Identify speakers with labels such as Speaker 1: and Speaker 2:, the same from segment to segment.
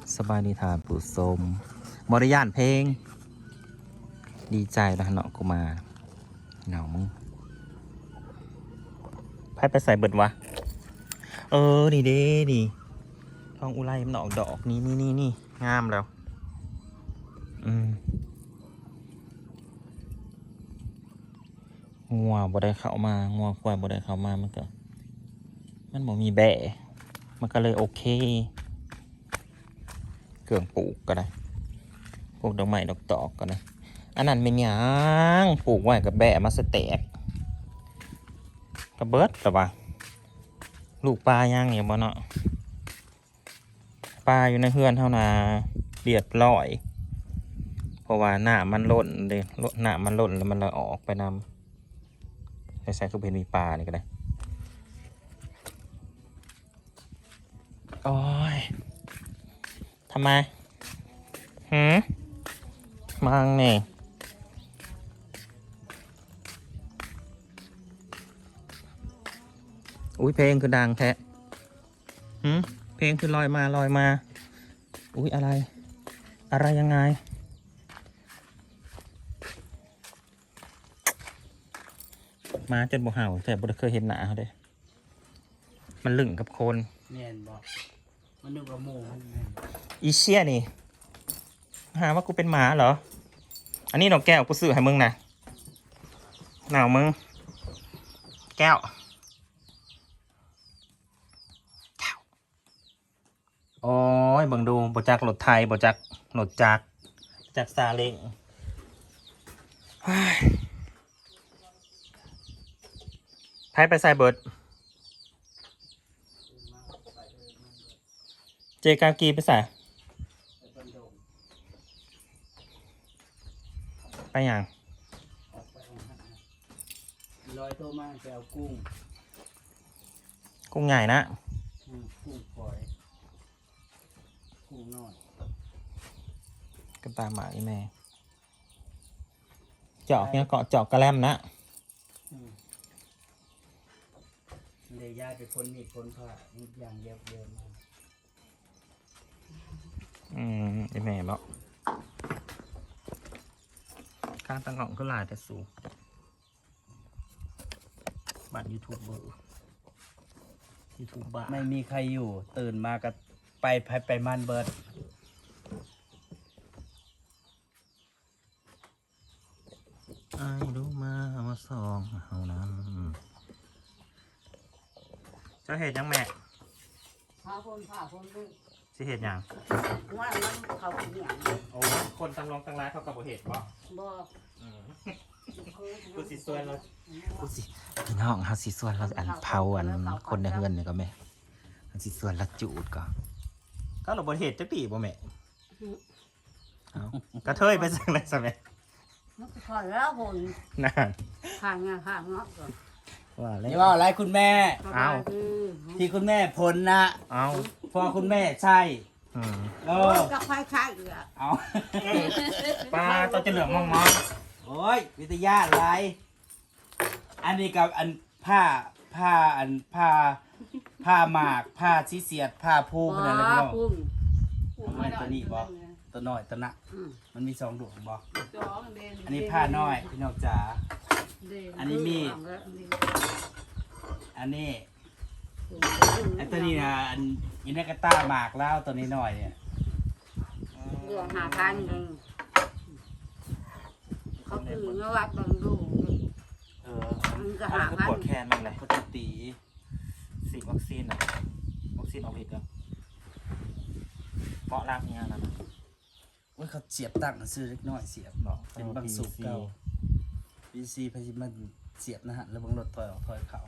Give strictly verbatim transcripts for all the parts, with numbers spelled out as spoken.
Speaker 1: สบายดีทานผู้ชมบริยานเพลงดีใจนะเนาะกูมาเหงามึงไพ่ไปใส่เบิดวะเออนี่เด้นี่ทองอุไรมันออกดอกนี่นี่นี่นี่งามแล้วอืมงัวบ่ได้เข้ามางัวควายบ่ได้เข้ามามันก็มันบ่มีแบะมันก็เลยโอเคเกื่องปลูกก็ได้ปลูกดอกไม้ดอกตอกก็ได้อันนั้นเป็นหยังปลูกไว้กับแบะมาสแตกกระเบิดหรอวะลูกปลาย่างเนี่ยบ่เนาะปลาอยู่ในเฮือนเท่านาเรียบร้อยเพราะว่าหน้ามันล่นเลยหน้ามันล่นแล้วมันเลยออกไปนำใส่ใส่คือเป็นมีปลานี่ก็ได้โอ้ยทำไมหืมมังเนี่ยอุ้ยเพลงคือดังแท้หืมเพลงคือลอยมาลอยมาอุ้ยอะไรอะไรยังไงมาจนบ่เห่าแต่บ่ได้เคยเห็นหน้าเขาเด้มันลึ่งกับคน
Speaker 2: เนียนบอกมันนึกว่าหมู
Speaker 1: อีเชี่ยนี่หาว่ากูเป็นหมาเหรออันนี้น้องแก้วกูซื้อให้มึงนะหนาวมึงแก้วโอ้ยเบิ่งดูบ่จักรถไทยบ่จักรถจักรจักรซาเล้งไพ่ไปใส่เบิร์ดเจกากีไปใส่ไปอย่าง
Speaker 2: ลอยโตมาไปเอากุ้ง
Speaker 1: กุ้งใหญ่นะ
Speaker 2: กุ้งฝอยกุ้งน้อย
Speaker 1: กันตามหมาอีแม่เจาะเนี่ยเกาะเจาะกระแลมนะ
Speaker 2: เลยยากไปพ้นมีดพ้นผ้าอีกอย่างเดียวเดิม
Speaker 1: อืมอีแม่บอกการตั้งของก็หลายแต่สูงบัตรยูทูบเบอร์ยูทูบบ้า
Speaker 2: ไม่มีใครอยู่ตื่นมาก็ไปไปไปมันเบิร์ด
Speaker 1: ไอ้รู้มามาสองเฮานั้นจะเห็ดยังแม่
Speaker 3: พาคนพาคนด้วย
Speaker 1: สิเห็ดยัง
Speaker 3: ว่ามันเขาเป็นอย่าง
Speaker 1: โอ้คนตั้งรองตั้งร้ายเขากับบ่เห็ดบ่
Speaker 3: บ่
Speaker 1: กูสิส่วนเรากูสิพี่น้องเฮาสิส่วนเราอันเผาอันคนในเฮือนนี่ก็แม่เฮาสิส่วนละจูดก็ก็เราบ่เห็ดจักปีบ่แม่เอ้ากระเทยไปจังได๋ซะแม่
Speaker 3: มันก็ขอแล้วคน
Speaker 1: นั่น
Speaker 3: ข้างงาข้างเนาะ
Speaker 1: ว่าแล้ว
Speaker 2: นี่ว่าอะไรคุณแม่
Speaker 1: เอา
Speaker 2: ที่คุณแม่พ้นนะ
Speaker 1: เอา
Speaker 2: พอคุณแม่ใช่
Speaker 1: อืม
Speaker 2: เออ
Speaker 3: กับไฟข้างอีกอ่ะ
Speaker 2: เอา
Speaker 1: ปลาตัวจะเหลืองมอง
Speaker 2: ๆโอ้ยวิทยาอะไรอันนี้กับอันผ้าผ้าอันผ้าผ้าหมากผ้าชีเสียดผ้าผู้ขนาดนั้นบ่ทำไมตัวนี้บ่ตัวน้อยตัวนักมันมีสองดวงบ่อันนี้ผ้าน้อยพี่น้องจ๋าอันนี้มีอันนี้อันตัวนี้นะอันอินเนกาต้าหมากแล้วตัวนี้น้อยเนี่ย
Speaker 3: ดวงหาพันหนึ่งเขาคือเงาวัดบางดู
Speaker 1: เออมันก็หาพันปวดแขนมันเลย
Speaker 2: เขาจะตี
Speaker 1: สีวัคซีนอ่ะวัคซีนออกฤทธิ์อ่ะเกาะรากเนี่ยนะ
Speaker 2: ว่าเขาเสียบตั้งซื้อเล็กน้อยเสียบเนาะเป็นบางสูบเก่าพีซีพยิมันเสียบนะฮะแล้วบางรถถอยออกถอยเขา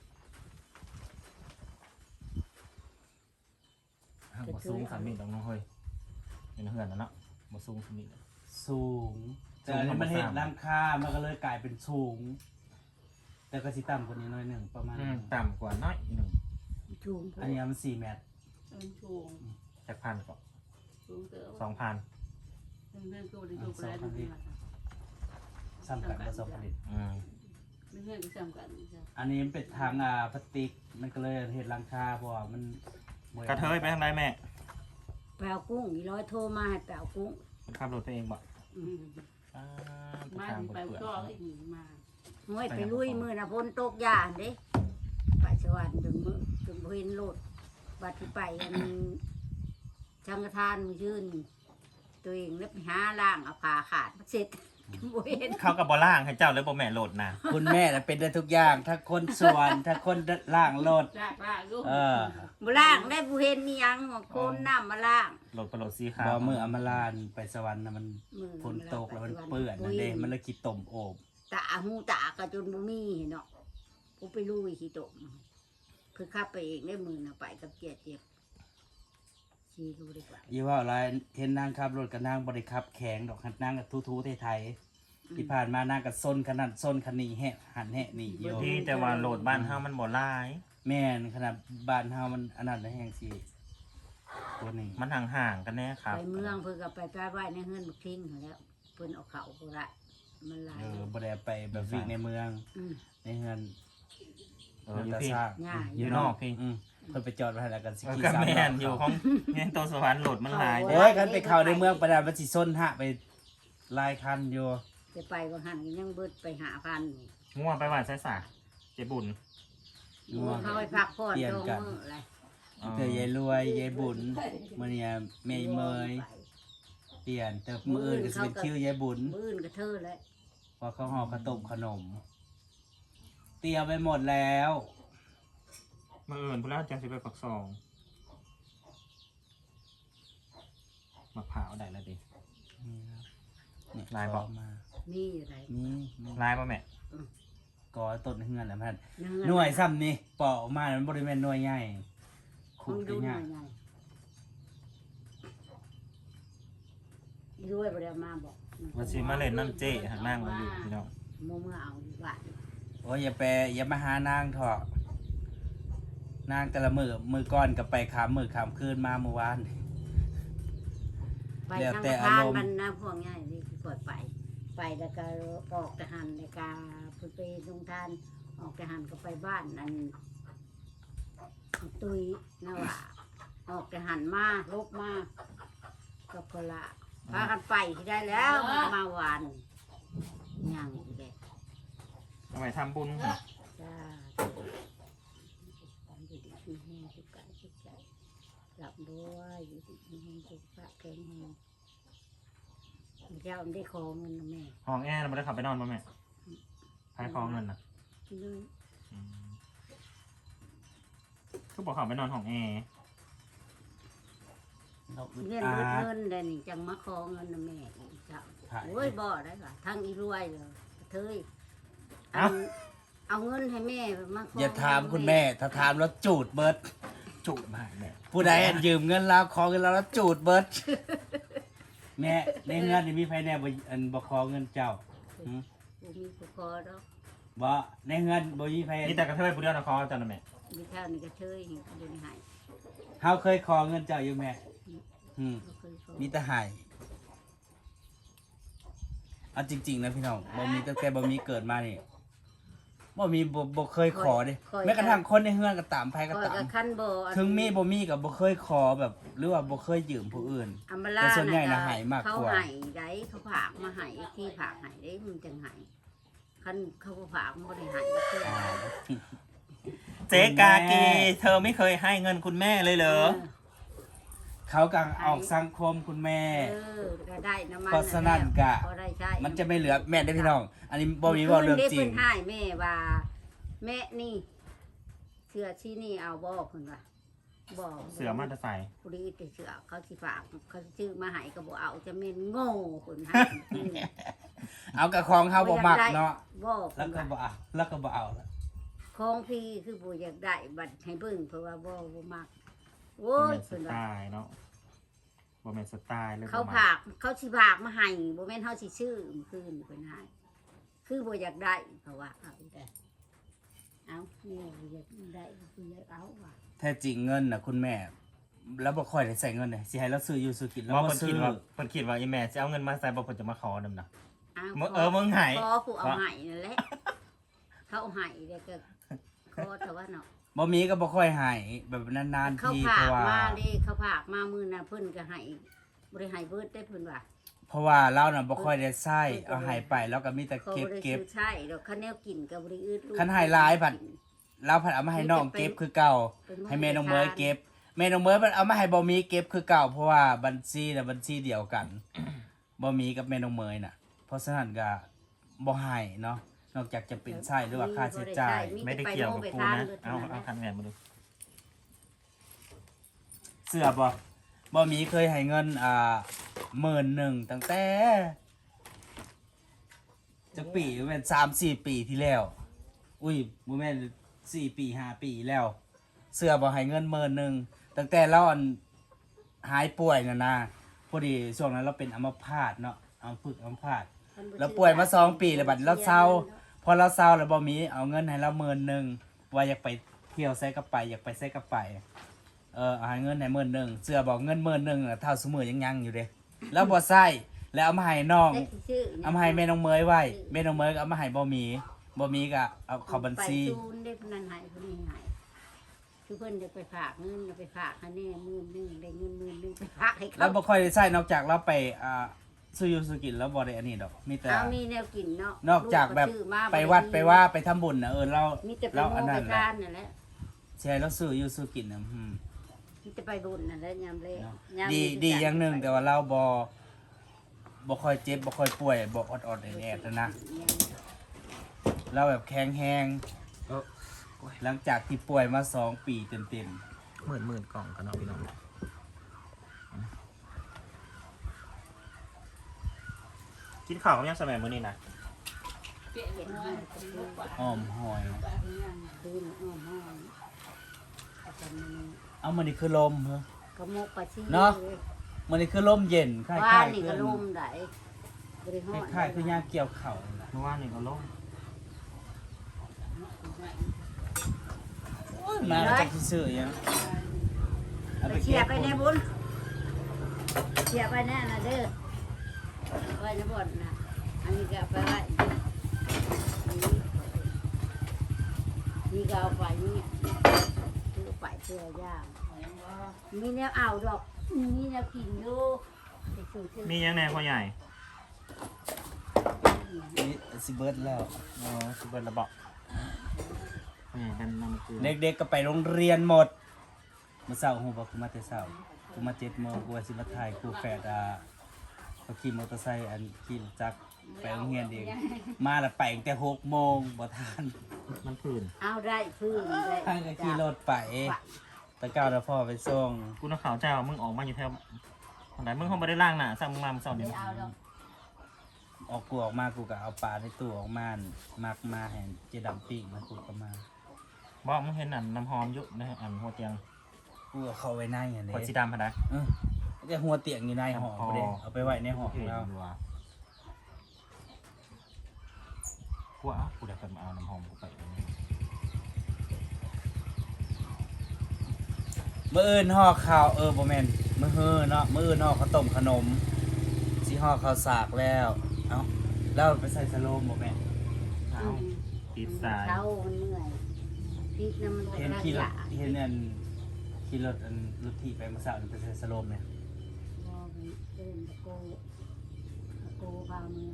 Speaker 1: บ่สูงสามมิตรตรงน้องเฮ้ยเห็นเหือนแล้วเนาะบ่สูงสามมิตร
Speaker 2: สูงแต่อันนี้มันเห็นร่างค่ามันก็เลยกลายเป็นสูงแต่ก็สิต่ำกว่านี้น้อยหนึ่งประมาณ
Speaker 1: ต่ำกว่าน้อยหนึ่ง
Speaker 2: อันนี้มันสี่เมตร
Speaker 1: จากพันก่อนสองพัน
Speaker 2: ซ้ำกันผสมผลิตอันนี้เป็นทางอ่าพลาสติกมันก็เลยเห็นร่างค่าเพราะว่ามัน
Speaker 1: กระเทยไปทางไหนแม่
Speaker 2: ไป
Speaker 3: แปลวกุ้งอีร้อยโทรมาให้แปลวกุ้ง
Speaker 1: ขับรถไปเองบ่
Speaker 3: อืม
Speaker 1: อ่า
Speaker 4: มา
Speaker 1: ทาง
Speaker 4: ไป
Speaker 1: เปื่อน
Speaker 4: ก็
Speaker 1: ๆ
Speaker 4: ให้หนีมา
Speaker 3: ห้วยไปลุยมือนะพ้นตกยานเด้ไปสวรรค์จนมือจนบ่เห็นโลดบัดที่ไปอันชังกทานมือยื่นตัวเองแล้วไปหาล่างเอาผ่าขาดมาเสร็จบ่เห็น
Speaker 1: เขากับบ่ล่างให้เจ้าเลยบ่แม่โหลดนะ
Speaker 2: คุณแม่น่ะเป็นได้ทุกอย่างถ้าคนสวนถ้าคนล่างรถ
Speaker 4: ลากลากลูก
Speaker 2: เออ
Speaker 3: บ่ล่างได้บ่เห็นนี่ยังว่าโคนน้ำมาล่าง
Speaker 1: โหลดไปโหลดสีขาว
Speaker 2: บ่มืออำมาลานไปสวรรค์น่ะมัน
Speaker 3: มือ
Speaker 2: ฝนตกแล้วมันเปื้อนนั่นเด้มันเลยขี้ตมโอบ
Speaker 3: ตาหูตาก็จนบ่มีเนาะกูไปลุยขี้ตกคือขับไปเองได้มือน่ะไปกับเจ็ดเจ็บขี่ดูดีกว่า
Speaker 2: อีว่าอะไรเห็นนางขับรถกับนางบ่ได้ขับแข็งดอกหัดนางกับทูๆไทยๆที่ผ่านมานางกับซนขนาดซนคันนี้แฮะหันแฮะนี่อยู่
Speaker 1: ที่แต่ว่าโหลดบ้านเฮามันบ่หลาย
Speaker 2: แม่นขนาดบ้านเฮามันอันนั้นนะแฮงสิตัวนี้
Speaker 1: มันห่างๆกันแน่ครับ
Speaker 3: ไปเมืองเพิ่นก็ไปไปไหว้ในเฮือนบักทิ้งหั้นแหล้วเพิ่นเอาเขาบ่ได้มันหลาย
Speaker 2: เออบ่ได้ไปแบบวิ่งในเมือง
Speaker 3: อืม
Speaker 2: ในเฮือน
Speaker 1: เอออยู่พี่
Speaker 2: สร้าง
Speaker 3: ง่าย
Speaker 1: อยู่นอกพี่
Speaker 2: อืมเพิ่นไปจอดไว้ให้แล้วกันสิ
Speaker 1: เออ
Speaker 2: ขี่
Speaker 1: ก็
Speaker 2: สาม
Speaker 1: แม่น
Speaker 2: รอบ
Speaker 1: อยู่ของแม่นตัวสวรรค์โหลดมันหลาย
Speaker 2: โอ้ยคันไปเข้าในเมืองประดามันสิซนฮะไปหลายคันอยู่
Speaker 3: จะไปบางหันก็ยังเบิดไปหาพันนี่
Speaker 1: ง่วงไปหวานไสสาเจ็บบุญ
Speaker 2: ง่วง
Speaker 3: เขาไปพักผ่อน
Speaker 2: เปลี่ยน
Speaker 3: ตรง
Speaker 2: กัน
Speaker 3: มืออะไร
Speaker 2: เธอยายรวยยายบุญมื้อนี้แม่เมยเปลี่ยนแต่มื้ออื่นก็สิเป็นคิวยายบุญ
Speaker 3: มื้ออื่นก็เธอแล้ว
Speaker 2: พอเขาห่อข้าวต้มขนม เตรียมไปหมดแล้ว
Speaker 1: มาเอิญพุ่นแล้วจังสิไปปักซองมะพร้าวได้แล้วดิ
Speaker 2: นี่
Speaker 1: ลายบอก
Speaker 2: ขอมา
Speaker 3: มีอยู่ไหน
Speaker 2: นี่นี่
Speaker 1: ลายป่ะแม่
Speaker 2: กอต้นเฮือนแหละพัน
Speaker 3: เนื้
Speaker 2: หน่วยซ้ำนี่ปอกออกมามันบริเวณหน่วยใหญ่
Speaker 3: คุ
Speaker 2: ขุ
Speaker 3: ณ
Speaker 2: ด
Speaker 3: ดูหน่
Speaker 2: ง่า
Speaker 3: อย ยไงด้วยบ่ได้มาบอก
Speaker 1: มาสิมาเล่นน้ำเจ๊หันนั่งมาอยู่พี่น้อง
Speaker 3: โมเมื่อเอาดีกว่า
Speaker 2: โอ้ยอย่าไปอย่ามาหานางเถอะนางแต่ละมือมือก้อนกับไปขามมือขามคืนมาเมื่อวาน
Speaker 3: ไป
Speaker 2: แล้ว
Speaker 3: ทาง
Speaker 2: แต่
Speaker 3: ทา
Speaker 2: อาน รมณ์
Speaker 3: มันนะพวกง่ายนี่คือปล่อยไป ไปแล้วก็ออกทหารแล้วก็ไปไปลงทานออกทหารก็ไปบ้านนั่นตุยนะว่าออกทหารมาลบมากับพละพากันไปที่ได้แล้วมาวานย่างอีกแล้ว
Speaker 1: ทำไมทำบุญ
Speaker 3: จ้าอยู่ดีมีแห้งสุกายสุกใจหลับด้วยอยู่ดีมีแห้งสุกะแข็งแห้งเจ้าได้ขอเงินนะแม่
Speaker 1: ห้องแอร์เราไม่ได้ขับไปนอนป่ะแม่พายคองเงินนะ
Speaker 3: เลย
Speaker 1: อืมคือบอกขับไปนอนห้องแอร์
Speaker 2: เราอึด
Speaker 3: เงิน
Speaker 2: อั
Speaker 3: เงิน
Speaker 2: ด
Speaker 3: เงินเดี๋ยวนี้จังมาขอเงินนะแม่อีกเจ้า
Speaker 2: ถ่าย
Speaker 3: โอ้ยบ่ได้ป่ะทั้งอีรวยเลยเธยเอาเอาเงินให้แม่มาขอ
Speaker 2: อย่าถามคุณแม่ ถ้าถามแล้วจูดเบิด
Speaker 1: จุกมากแม่
Speaker 2: ผู้ใดอันยืมเงินเราขอเงินเราแล้วจูดเบิด แม่ในเงินนี่มีไผแน่บ่อันบ่ขอเงินเจ้าหืม
Speaker 3: กูมีกูขอดอก
Speaker 2: บ่ในเงินบ่มีไผ
Speaker 1: นี่แต่กระเทยผู้เดียวนะคอจันนะแม่
Speaker 3: มีเท่านี้ก็เธยเดี๋ยวนี้ให้
Speaker 2: เฮาเคยขอเงินเจ้าอยู่แม่อืม
Speaker 3: บ่เคยขอ
Speaker 2: มีแต่ให้เอาจริงๆนะพี่น้องบ่มีตั้งแต่บ่มีเกิดมานี่บ่มีบ่บ่เคยขอเด้แม้กระทั่งคนในเฮือนก็ตามไผก็
Speaker 3: ขอ
Speaker 2: ตาม
Speaker 3: กับคันบ่อัน
Speaker 2: ถึงมีบ่มีก็บ่เคยขอแบบ หรือว่าบ่เคยยืมผู้อื่น
Speaker 3: อัมบาลา
Speaker 2: แต่ส่วนใหญ่น่ะ
Speaker 3: ก็
Speaker 2: ให้มากกว่า
Speaker 3: เขาให้ได้เขาผากมาให้ที่ผากให้ได้มันจังให้คันเขาบ่ผากมันบ่ได้ให้เพื่อ
Speaker 1: เจ๊กากีเธอไม่เคยให้เงินคุณแม่เลยเหรอ
Speaker 2: เขากำลังออกสังคมคุณแม่
Speaker 3: เออก็ได้น้ำมัน
Speaker 2: เพราะฉะนั้นก็
Speaker 3: พอได้ใช้
Speaker 2: มันจะไม่เหลือแม่ได้อพี่น้อง อันนี้บ่มีเว่าเรื่องจริ
Speaker 3: เพิ่
Speaker 2: ง
Speaker 3: นให้แม่ว่า แม่นี่เสื้อที่นี่เอาบ่เพิ่นว่าบ่
Speaker 1: เสือมาตะใส่
Speaker 3: ผู้ดีแต่เสื้อเขาสิฝากเขาสิซื้อมาให้ก็บ่เอาจะแม่นโง่เพิ่นให้
Speaker 2: เอากับของเฮาบ่มักเนาะ
Speaker 3: บ่
Speaker 2: แล้ว
Speaker 3: เพิ่น
Speaker 2: ก็
Speaker 3: ว่า
Speaker 2: บ่เอาแล้วก็บ่เอาละ
Speaker 3: ของพี่คือบ่อยากได้บัดให้เบิ่งเพราะว่าบ่บ่มักโอ้
Speaker 1: บ่
Speaker 3: ย
Speaker 1: แม่นส
Speaker 3: เพิ่น
Speaker 1: ไต
Speaker 3: ว่า
Speaker 1: ล์เนาะบ่แม่นสไตล์เลย
Speaker 3: เขา
Speaker 1: บ่
Speaker 3: ผากเขาสิผากมาให้บ่แม่นเฮาสิซื้อมื้อคืนเพิ่นให้คือบ่อยากได้เพราะว่าเอาแต่เอาแม่บ่อยากได้บ่อยากเอาว่ะ
Speaker 2: แท้จริงเงินน่ะคุณแม่ แล้วบ่ค่อยได้ใส่เงินเลยสิให้เราซื้ออยู่ซื้อกินแล้ว
Speaker 1: ว่า
Speaker 2: บ่
Speaker 1: เพิ่น
Speaker 2: ซื้
Speaker 1: คิ
Speaker 2: อ
Speaker 1: ดว่าเพิ่นคิดว่าอีแม่จะเอาเงินมาใส่บ่เพิ่นจะมาขอนำน่ะ
Speaker 3: เอา
Speaker 1: มึงเออมึงให้
Speaker 3: ขอผู้เอาให้นั่นแหละเขาเอาให้แล้วก็ขอแต่ว่าเนาะ
Speaker 2: บ่มีก็บ่ค่อยใหายแบบนานๆ
Speaker 3: เขา
Speaker 2: ที
Speaker 3: ผา
Speaker 2: เพ
Speaker 3: ก
Speaker 2: ราะว่า
Speaker 3: มาเด้เขาผากมามื้อน่ะเพิ่นก็ให้บ่ได้ให้เบิดได้เพิ่นว่า
Speaker 2: เพราะว่าเราน่ะบ่ค่อยได้ใช้เอาใหายไปแล้วก็มีแต่
Speaker 3: เขา
Speaker 2: เก็บ
Speaker 3: บ่ได้
Speaker 2: เก็บ
Speaker 3: ซื้อใช่ดอกคันแนวกินก็บ่ได้อึดลูก
Speaker 2: คันให้หลายบัด เราผัดเอามาให้น้องเก็บคือเก่า ให้แม่น้องเมยเก็บแม่น้องเมยมันเอามาให้บ่มีเก็บคือเก่าเพราะว่าบัญชีน่ะบัญชีเดียวกัน บ่มีกับแม่น้องเมยน่ะ เพราะฉะนั้นก็บ่ให้เนาะนอกจากจะเป็นใช้หรือว่าค่าใช้จ่าย
Speaker 1: ไม่ได้เกี่ยวกับกูนะเอาเอาคันแหวนมาดู
Speaker 2: เสื้อบ่บ่มีเคยให้เงินอ่าหมื่นหนึ่งตั้งแต่จักปีแม่นสามสี่ปีที่แล้ว อุ้ยบ่แม่นสี่ปีห้าปีแล้ว เสื้อบ่ให้เงินหมื่นหนึ่งตั้งแต่เราอันหายป่วยน่ะนะพอดีช่วงนั้นเราเป็นอัมพาตเนาะอัมพฤกษ์อัมพาตเราป่วยมาสองปีแล้วบัดเราเศร้าพอเราเศร้าแล้วบ่มีเอาเงินให้เราหมื่นหนึ่งว่าอยากไปเที่ยวไสก็ไปอยากไปไสก็ไปเออเอาให้เงินให้หมื่นหนึ่งเสื้อบอกเงินหมื่นหนึ่งน่ะเท่าสมือยังยังอยู่เด้แล้วบ่ใส่แล้วเอามาให้น้อง
Speaker 3: ได้ชื่อ
Speaker 2: เอามาให้แม่น้องเมยไว้แม่น้องเมยก็เอามาให้บ่มีบ่มีก็เอาเข้าบัญชี
Speaker 3: ไปซูนได้พนันใหายคนนี้ใหายคือเพิ่นจะไปฝากเงินเอาไปฝากให้แน่หมื่นหนึงได้เงินหมื่นหนึงไปฝากให้
Speaker 2: แล้ว
Speaker 3: เขา
Speaker 2: บ่ค่อยได้ใช้นอกจากเราไปอ่าซื้ออยู่ซื้อกินแล้วบ่ได้อันนี้ดอกมีแต่
Speaker 3: เอามีแนวกินเนาะ
Speaker 2: นอกจากแบบ
Speaker 3: ลูซื้อมา
Speaker 2: ไปวัดไปว่าไปทำบุญน่ะเออเรา
Speaker 3: มีแต่ไป
Speaker 2: เรา
Speaker 3: โม
Speaker 2: อัน
Speaker 3: ไป
Speaker 2: นั้นแหละ
Speaker 3: ทานนั่นแหละ
Speaker 2: ใช่แล้วซื้ออยู่ซื้อกินน่ะอืม
Speaker 3: มีแต่ไปบุญนั่นแหละยามเละ
Speaker 2: เนาะ
Speaker 3: ยาม
Speaker 2: ดี
Speaker 3: มี
Speaker 2: ดี
Speaker 3: จัด
Speaker 2: อย่างหนึง
Speaker 3: ไป
Speaker 2: แต่ว่าเราบ่บ่ค่อยเจ็บบ่ค่อยป่วยบ่ออดๆแอดๆนะนะเราแบบแข็งแรง
Speaker 1: เออ
Speaker 2: หลังจากที่ป่วยมาสองปีเต็ม
Speaker 1: หมื่นหมื่นกล่องกันเนาะพี่น้องกินข้าวกับยังสมัยมื้อนี้นะ
Speaker 3: เห็นให้ก็คือ
Speaker 2: ๆอ้อมหอย
Speaker 3: คืนอ้อมห้องอาจารย์มัน
Speaker 2: เอามันนี่คือลมเหรอก
Speaker 3: ระมกปลาชี
Speaker 2: เนาะ มันนี่คือลมเย็นคล้ายๆ
Speaker 3: บ้านนี่
Speaker 2: คื
Speaker 3: ก็
Speaker 2: อ
Speaker 3: ลมได้บริหาร
Speaker 2: คล้ายๆคือยามเกี่ยวเข่านั่นแหละ
Speaker 1: เมื่อวานนี่ก็ลง
Speaker 2: มาแล้วจะซื้อๆยังเอา
Speaker 3: ไป
Speaker 2: ไป
Speaker 3: เชีย
Speaker 2: เก็
Speaker 3: ร์
Speaker 2: บ
Speaker 3: ไปในบุญเชียร์ไปแน่นะเด้อไปในบุญนะอันนี้ก็ไปไว้อันนี้นี่ก็เอาไปนี่คือไปเสื้อย่างมีแนวเอาดอกมีแนวกินอยู่ไปสู่เสื้อ
Speaker 1: มียังแน่พ่อใหญ่
Speaker 2: นี่สิเบิร์ดแล้ว
Speaker 1: อ๋อสุเบิร์ระเบาะพ่อใหญ่กันนำเกลือ
Speaker 2: เด็กๆก็ไปโรงเรียนหมดเมื่อเช้าหูบอกกูมาแต่เช้ากูมาเจ็ดโมงกูว่าสิมาถ่ายกูแฝดอ่าเขาขี่มอเตอร์ไซค์อันขี่รถจักรไปโรงเรียนเองมาแล้วไปตั้งแต่หกโมงบ่ทัน
Speaker 1: มันผื่น
Speaker 3: เอาได้พื้นได้
Speaker 2: ท่านก็ขี่รถไปตะเก้าแล้วพ่อไปส่ง
Speaker 1: กูนักข่าวเจ้ามึงออกมาอยู่แถวทางไหนมึงคงไม่ได้ล่างหน่ะสั่งมึงมาเมื่อเช้านี้
Speaker 3: เอาดอก
Speaker 2: ออกกูออกมากูก็เอาปลาในตู้ออกมามักมาให้เจดำปิ้งแล้วกูก็มา
Speaker 1: บอกมึงเห็นอันน้ำหอมอยุนะอันหัวเตียง
Speaker 2: กูก็เข้าไว้ในอันนี้
Speaker 1: หัวสีดำพะนะ
Speaker 2: เออแต่หัวเตียงอยู่ในห้องบ่ได้เอาไปไว้ในห้องของเรา
Speaker 1: กูเอากูได้เปิดมาเอาน้ำหอมกูไปเอาเนี่ย
Speaker 2: มื้ออื่นห่อข้าวเออบ่แม่นมื้อเฮือเนาะมื้ออื่นห่อข้าวต้มขนมสิห่อข้าวสากแล้วเอ้าแล้วไปใส่สโลมบ่แม่น
Speaker 1: เอาติดสาย
Speaker 3: เช้ามันเหนื่อยพีกน้ำมัน
Speaker 2: เห็นขี่รถเห็นอันขี่รถอันรถที่ไปเมื่อเช้านี่ไปใส่สโลมเนี่ย
Speaker 3: มองเดินตะโกตะโกพาเมือ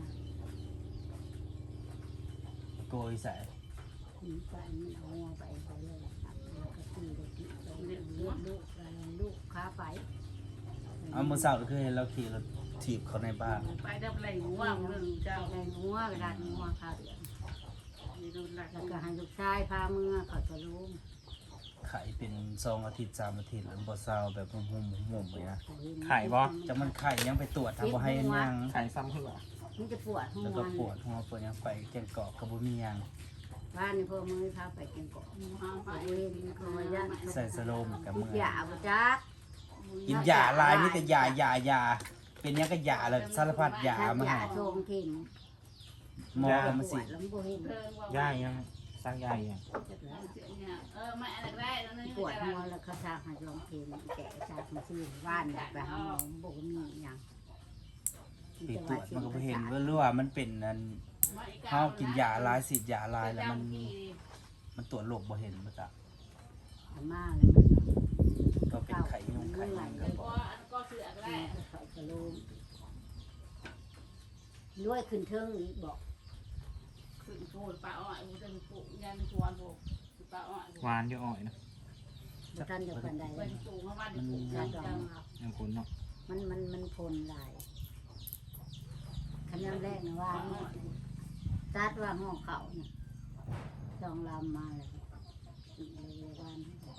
Speaker 2: โกยใส่
Speaker 3: คุณไปมันเอาหัวไปไปเลยครับแล้วก็ตีเลยตีไปเลี้ยงลูกอะไรลูกค้าไป
Speaker 2: เอามื้อเช้าก็คือเห็นเราขี่รถถีบเขาในบ้าน
Speaker 4: ไปดับไหลหัวเรื่องเจ้า
Speaker 3: แรงหัวกระดานหัวข้าวเดือด
Speaker 4: มีรุ่นหลัก
Speaker 3: แล้วก็ให้ลูกชายพาเมือเขาจะรู้
Speaker 2: ไข่เป็นสองอาทิตย์สามอาทิตย์แล้วบ่เช้าแบบหุ่มๆหุ่มๆเลยนะ
Speaker 1: ไข่บ่
Speaker 2: จังมันไข่ยังไปตรวจทำบ่ให้อันยัง
Speaker 1: ไข่ซ้ำขึ้นวะ
Speaker 3: มันจะปวดหัว
Speaker 2: แล้วก็ปวดหัวปวดหยังไปแกงกอกก็บ่มีหยัง
Speaker 3: บ้านนี่พ่อมือพาไปกินเกาะไปเองเขามาย่าน
Speaker 2: ใส่สโลมกับ
Speaker 3: กิ
Speaker 2: มื
Speaker 3: น
Speaker 2: อย
Speaker 3: าบ่จัก
Speaker 2: กินยาหลายมีแต่ยายายาเป็นหยังก็ยาเลยสารพัดยามาให้
Speaker 3: ยาโชงเข็ม
Speaker 2: หมอก็มาสิ
Speaker 3: แล้วมันบ่เห็น
Speaker 4: เรื่องว่า
Speaker 1: ย่ายยังสร้างย่ายยัง
Speaker 4: เออไม่อะไรได้แล้วนึง
Speaker 3: ปวดหัวแล้วเขาสร้างให้โรงเข็มแกะจากมันซื้อบ้านไปหาหมอบ่มีหยัง
Speaker 2: ไปตรวจมันก็บ่เห็นว่าหรือว่ามันเป็นอันเฮากินยาหลายสิยาหลายแล้วมันมันตรวจโรคบ่เห็นบ่จ้ะ
Speaker 3: ขันมาแล้วมัน
Speaker 2: ก็เป็นไข่ยุงไข่มันก็บ
Speaker 4: ก็
Speaker 2: อก
Speaker 4: อันก็คืออะไร
Speaker 3: เขากระโลมรวยขึ้นเทิงอีกบอก
Speaker 4: คือโกรธป้าอ้อยมันจะปลูกยันชวนปลูกป้าอ้อย
Speaker 1: หวานอยู่อ่อยนะ
Speaker 3: บ่ทันจะปันใด
Speaker 4: ไปปลูกเมื่อวานปลูกจังจังครับ
Speaker 1: ยังคนเนาะ
Speaker 3: มันมันมันพลหลายคำนำแรกนะว่าตัดว่าห้องเขาเนี่ยจองลำมาเลยเลยวัน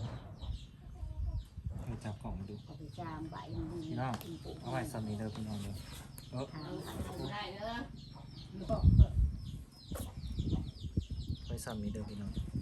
Speaker 1: ไปจับกล่องมาดู
Speaker 3: เอาไปจามใบมัน
Speaker 1: พี่น้องเอาไว้ซ้ำนี้เด้อพี่น้องเด้อเออ
Speaker 3: ทาง
Speaker 4: ได้เด้อ
Speaker 1: ไว้ซ้ำนี้เด้อพี่น้อง